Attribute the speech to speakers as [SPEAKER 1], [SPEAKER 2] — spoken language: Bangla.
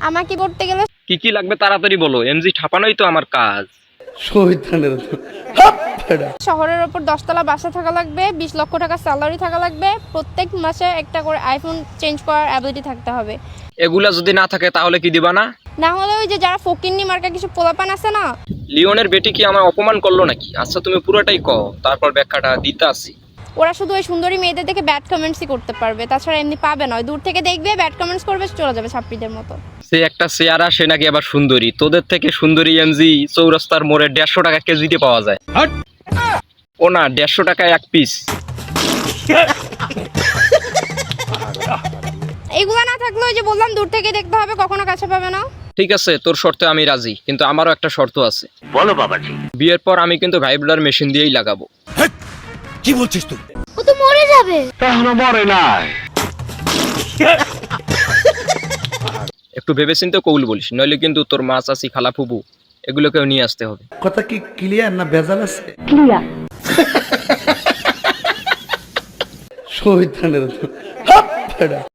[SPEAKER 1] আমাকে পড়তে গেলে
[SPEAKER 2] কি কি লাগবে তাড়াতাড়ি বলো, এমজি ঠাপানোই তো আমার কাজ।
[SPEAKER 1] শহরের ওপর 10 তলা বাসা থাকা লাগবে, 20 লক্ষ টাকা স্যালারি থাকা লাগবে, প্রত্যেক মাসে একটা করে আইফোন চেঞ্জ করার অ্যাবিলিটি থাকতে হবে।
[SPEAKER 2] এগুলা যদি না থাকে তাহলে কি দিবা না?
[SPEAKER 1] না হলে ওই যে যারা ফকিন্নি মার্কা কিছু পোলাপান আছে না,
[SPEAKER 2] লিওনের বেটি কি আমায় অপমান করলো নাকি? আচ্ছা তুমি পুরোটাই কও, তারপর ব্যাখ্যাটা দিতে আসি।
[SPEAKER 1] ওরা শুধু ওই সুন্দরী মেয়েদের দেখে ব্যাড কমেন্টসই করতে পারবে, তাছাড়া এমনি পাবে না। দূর থেকে দেখবে, ব্যাড কমেন্টস করবে, চলে যাবে ছাত্রীদের মতো।
[SPEAKER 2] সে একটা চেয়ারা, সে নাকি আবার সুন্দরী। তোদের থেকে সুন্দরী এমজি চৌরাস্তার মোড়ে 150 টাকা কেজিতে পাওয়া যায়। ও না, 150 টাকায় এক পিস।
[SPEAKER 1] এগুলা না থাকলে ওই যে বললাম দূর থেকে দেখতে হবে, কখনো কাছে পাবে না।
[SPEAKER 2] ঠিক আছে, তোর শর্তে আমি রাজি, কিন্তু আমারও একটা শর্ত আছে।
[SPEAKER 3] বলো বাবাজি।
[SPEAKER 2] বিয়ের পর আমি কিন্তু ভাইব্রার মেশিন দিয়েই লাগাবো।
[SPEAKER 3] কি বলছিস তুই?
[SPEAKER 1] ও তো মরে যাবে।
[SPEAKER 3] এখনো মরে নাই।
[SPEAKER 2] একটু ভেবেচিন্তে কৌল বলিস, নইলে কিন্তু তোর মা, চাচি, খালা, ফুবু এগুলোকেও নিয়ে আসতে হবে।
[SPEAKER 4] কথা কি ক্লিয়ার না ভেজাল আছে?
[SPEAKER 1] ক্লিয়ার।
[SPEAKER 4] শহীদ